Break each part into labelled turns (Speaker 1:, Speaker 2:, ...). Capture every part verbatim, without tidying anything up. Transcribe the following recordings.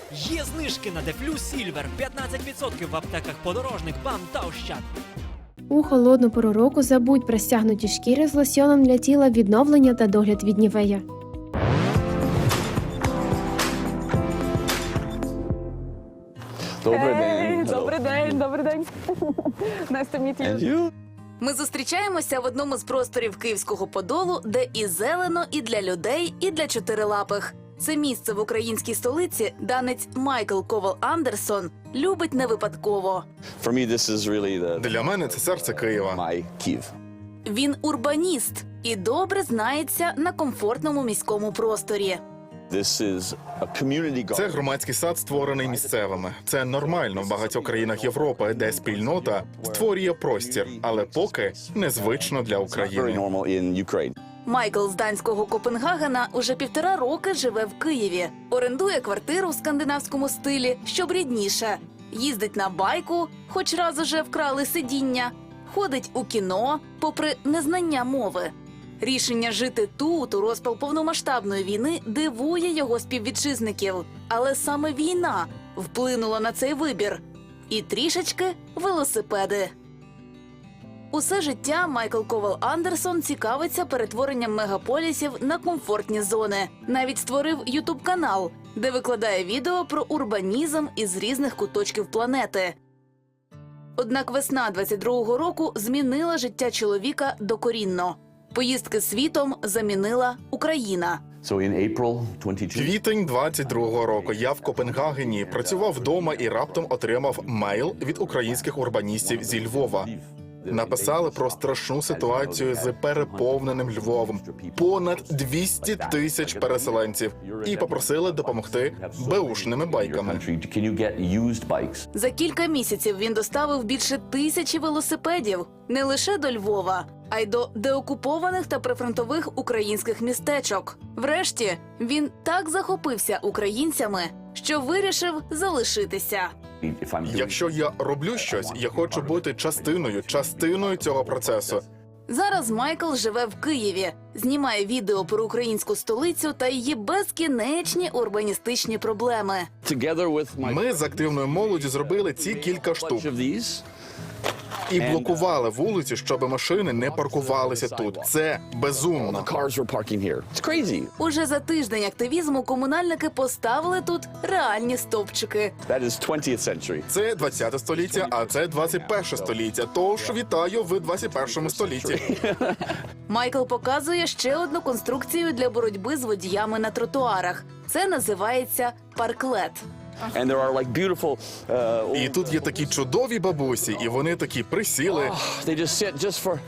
Speaker 1: Є знижки на Дефлю Сільвер п'ятнадцять відсотків в аптеках Подорожник, БАМ та Ощад.
Speaker 2: У холодну пору року забудь про стягнуті шкіри з лосьоном для тіла, відновлення та догляд від Нівея.
Speaker 3: Добрий
Speaker 4: Hey,
Speaker 3: день.
Speaker 4: добрий день, добрий день. Nice to meet you.
Speaker 3: And you?
Speaker 5: Ми зустрічаємося в одному з просторів Київського Подолу, де і зелено, і для людей, і для чотирилапих. Це місце в українській столиці данець Майкл Ковал Андерсон любить не випадково.
Speaker 3: For me, this is really the
Speaker 6: Для мене це серце Києва.
Speaker 3: my Kyiv.
Speaker 5: Він урбаніст і добре знається на комфортному міському просторі.
Speaker 3: This is a community garden.
Speaker 6: Це громадський сад, створений місцевими. Це нормально в багатьох країнах Європи, де спільнота створює простір, але поки незвично для
Speaker 3: Very
Speaker 6: України.
Speaker 3: normal in Ukraine.
Speaker 5: Майкл з данського Копенгагена уже півтора роки живе в Києві. Орендує квартиру в скандинавському стилі, щоб рідніше. Їздить на байку, хоч раз уже вкрали сидіння. Ходить у кіно, попри незнання мови. Рішення жити тут, у розпал повномасштабної війни, дивує його співвітчизників. Але саме війна вплинула на цей вибір. І трішечки велосипеди. Усе життя Майкл Ковал Андерсон цікавиться перетворенням мегаполісів на комфортні зони. Навіть створив ютуб-канал, де викладає відео про урбанізм із різних куточків планети. Однак весна двадцять другого року змінила життя чоловіка докорінно. Поїздки світом замінила Україна.
Speaker 3: So in April twenty-two.
Speaker 6: Квітень двадцять другого року я в Копенгагені працював вдома і раптом отримав мейл від українських урбаністів зі Львова. Написали про страшну ситуацію з переповненим Львовом. Понад двісті тисяч переселенців. І попросили допомогти беушними байками.
Speaker 3: Can you get used bikes?
Speaker 5: За кілька місяців він доставив більше тисячі велосипедів не лише до Львова, а й до деокупованих та прифронтових українських містечок. Врешті, він так захопився українцями, що вирішив залишитися.
Speaker 3: If I'm doing-
Speaker 6: Якщо я роблю щось, я хочу бути частиною, частиною цього процесу.
Speaker 5: Зараз Майкл живе в Києві, знімає відео про українську столицю та її безкінечні урбаністичні проблеми.
Speaker 3: Together with my
Speaker 6: Ми з активною молоддю зробили ці кілька штук.
Speaker 3: bunch of these.
Speaker 6: І блокували вулиці, щоб машини не паркувалися тут. Це безумно.
Speaker 3: The cars were parking here. It's crazy.
Speaker 5: Уже за тиждень активізму комунальники поставили тут реальні стовпчики.
Speaker 3: That is twentieth century.
Speaker 6: Це двадцяте століття, а це двадцять перше століття. Тож вітаю в двадцять першому столітті.
Speaker 5: Майкл показує ще одну конструкцію для боротьби з водіями на тротуарах. Це називається парклет.
Speaker 3: And there are like beautiful uh,
Speaker 6: І тут є такі чудові бабусі, і вони такі присіли.
Speaker 3: they just sit just for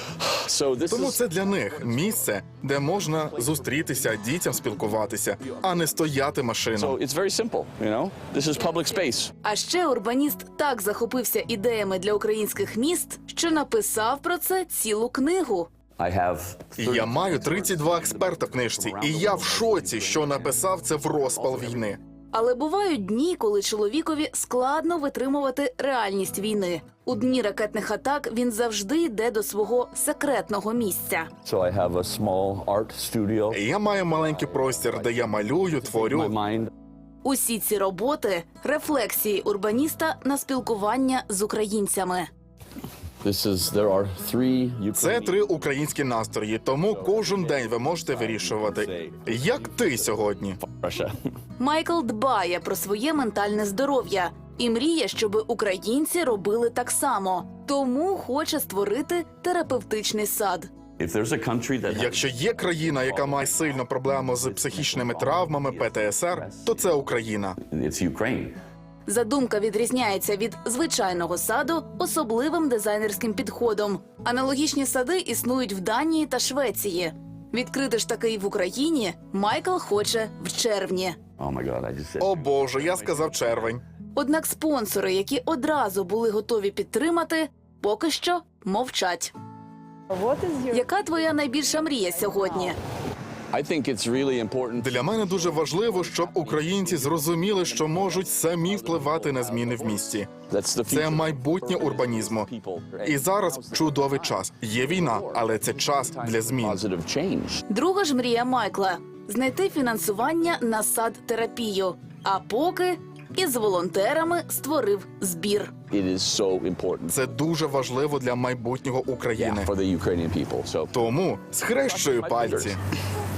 Speaker 3: So this
Speaker 6: Тому
Speaker 3: is
Speaker 6: це для них місце, де можна зустрітися, дітям спілкуватися, а не стояти машинам.
Speaker 3: so it's very simple, you know? This is public space.
Speaker 5: А ще урбаніст так захопився ідеями для українських міст, що написав про це цілу книгу.
Speaker 3: I have
Speaker 6: І я маю тридцять два експерта в книжці, і я в шоці, що написав це в розпал війни.
Speaker 5: Але бувають дні, коли чоловікові складно витримувати реальність війни. У дні ракетних атак він завжди йде до свого секретного місця.
Speaker 3: so I have a small art studio.
Speaker 6: І я маю маленький простір, де я малюю,
Speaker 3: My
Speaker 6: творю.
Speaker 3: mind.
Speaker 5: Усі ці роботи – рефлексії урбаніста на спілкування з українцями.
Speaker 3: This is there are three
Speaker 6: Це
Speaker 3: Ukrainian
Speaker 6: три українські настрої, тому кожен день ви можете вирішувати, як ти сьогодні.
Speaker 3: Russia.
Speaker 5: Майкл дбає про своє ментальне здоров'я і мріє, щоб українці робили так само. Тому хоче створити терапевтичний сад.
Speaker 3: If there's a country that has
Speaker 6: Якщо є країна, яка має сильну проблему з психічними травмами, Пе Те Ес Ер, то це Україна.
Speaker 3: it's Ukraine.
Speaker 5: Задумка відрізняється від звичайного саду особливим дизайнерським підходом. Аналогічні сади існують в Данії та Швеції. Відкрити ж такий в Україні Майкл хоче в червні.
Speaker 3: Oh my God, I just said.
Speaker 6: О Боже, я сказав червень.
Speaker 5: Однак спонсори, які одразу були готові підтримати, поки що мовчать.
Speaker 4: What is your...
Speaker 5: Яка твоя найбільша мрія сьогодні?
Speaker 3: I think it's really important.
Speaker 6: Для мене дуже важливо, щоб українці зрозуміли, що можуть самі впливати на зміни в місті.
Speaker 3: That's the
Speaker 6: Це
Speaker 3: future.
Speaker 6: майбутнє урбанізму. І зараз чудовий час. Є війна, але це час для змін.
Speaker 3: Positive change.
Speaker 5: Друга ж мрія Майкла – знайти фінансування на сад-терапію. А поки із волонтерами створив збір.
Speaker 3: It is so important
Speaker 6: Це дуже важливо для майбутнього України.
Speaker 3: for the Ukrainian people. So
Speaker 6: Тому схрещую пальці.